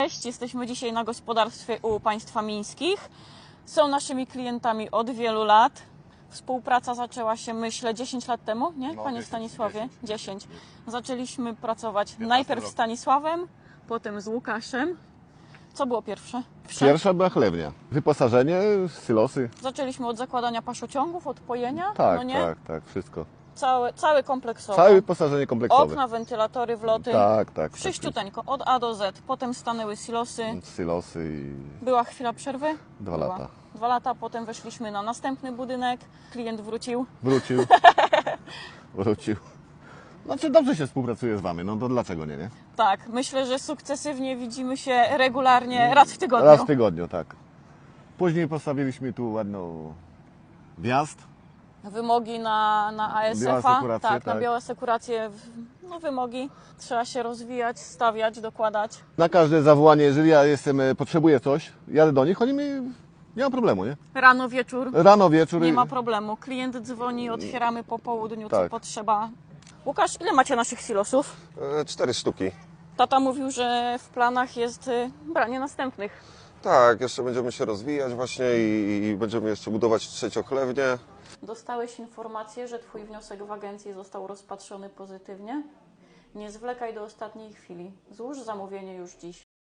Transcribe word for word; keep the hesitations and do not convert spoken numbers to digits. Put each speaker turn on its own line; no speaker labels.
Cześć, jesteśmy dzisiaj na gospodarstwie u państwa mińskich. Są naszymi klientami od wielu lat. Współpraca zaczęła się, myślę, dziesięć lat temu, nie?
No,
Panie
dziesięć,
Stanisławie?
dziesięć.
dziesięć. Zaczęliśmy pracować najpierw z
rok.
Stanisławem, potem z Łukaszem. Co było pierwsze?
Pierwsza była chlewnia. Wyposażenie, silosy.
Zaczęliśmy od zakładania paszociągów, od pojenia,
Tak,
no nie?
tak, tak, wszystko.
Cały, cały kompleksowo.
Całe wyposażenie kompleksowe.
Okna, wentylatory, wloty.
Tak, tak.
Wszyściuteńko, od A do Z. Potem stanęły silosy.
tak. Silosy i
Była chwila przerwy?
dwa
Była.
lata.
Dwa lata, potem weszliśmy na następny budynek. Klient wrócił.
Wrócił. Wrócił. Znaczy dobrze się współpracuje z Wami, no to dlaczego nie, nie?
Tak, myślę, że sukcesywnie widzimy się regularnie, raz w tygodniu.
Raz w tygodniu, tak. Później postawiliśmy tu ładną wjazd.
Wymogi na, na A S F a,
Bioasekurację,
tak, na
tak.
bioasekurację, no wymogi. Trzeba się rozwijać, stawiać, dokładać.
Na każde zawołanie, jeżeli ja jestem, e, potrzebuję coś, jadę do nich, oni mi... Nie ma problemu, nie?
Rano, wieczór,
Rano, wieczór.
nie ma problemu. Klient dzwoni, otwieramy po południu, co
Tak.
potrzeba. Łukasz, ile macie naszych silosów?
E, Cztery sztuki.
Tata mówił, że w planach jest y, branie następnych.
Tak, jeszcze będziemy się rozwijać właśnie i, i będziemy jeszcze budować trzeciochlewnię.
Dostałeś informację, że Twój wniosek w agencji został rozpatrzony pozytywnie? Nie zwlekaj do ostatniej chwili. Złóż zamówienie już dziś.